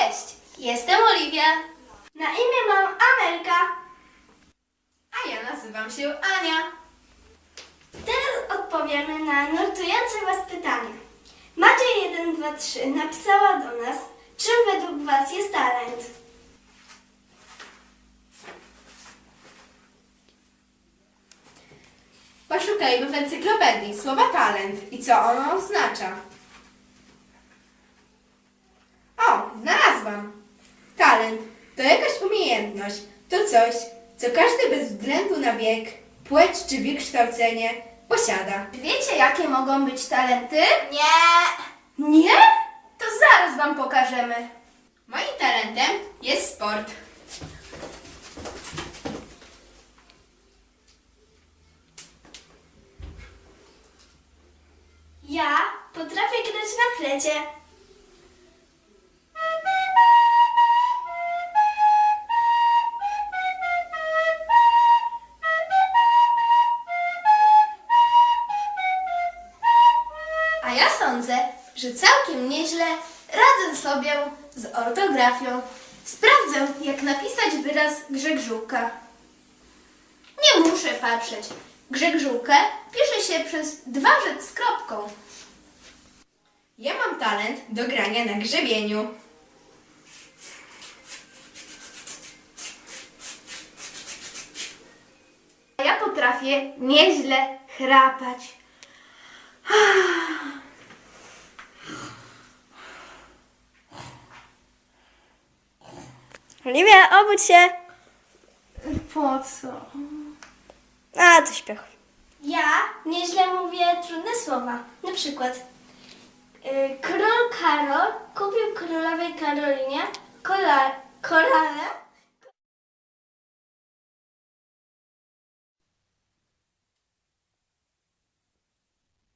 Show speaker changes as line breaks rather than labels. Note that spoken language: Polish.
Cześć, jestem Oliwia.
Na imię mam Amelka.
A ja nazywam się Ania.
Teraz odpowiemy na nurtujące Was pytanie. Macie 1, 2, 3 napisała do nas, czym według Was jest talent?
Poszukajmy w encyklopedii słowa talent i co ono oznacza. O, znalazłam! Talent to jakaś umiejętność, to coś, co każdy bez względu na wiek, płeć czy wykształcenie posiada. Wiecie, jakie mogą być talenty?
Nie.
Nie? To zaraz Wam pokażemy. Moim talentem jest sport.
Ja potrafię grać na flecie.
A ja sądzę, że całkiem nieźle radzę sobie z ortografią. Sprawdzę, jak napisać wyraz Grzegżółka. Nie muszę patrzeć. Grzegżółkę pisze się przez 2 rzec z kropką. Ja mam talent do grania na grzebieniu. A ja potrafię nieźle chrapać.
Oliwia, obudź się.
Po co?
A, to śpiech. Ja nieźle mówię trudne słowa. Na przykład król Karol kupił królowej Karolinie korale.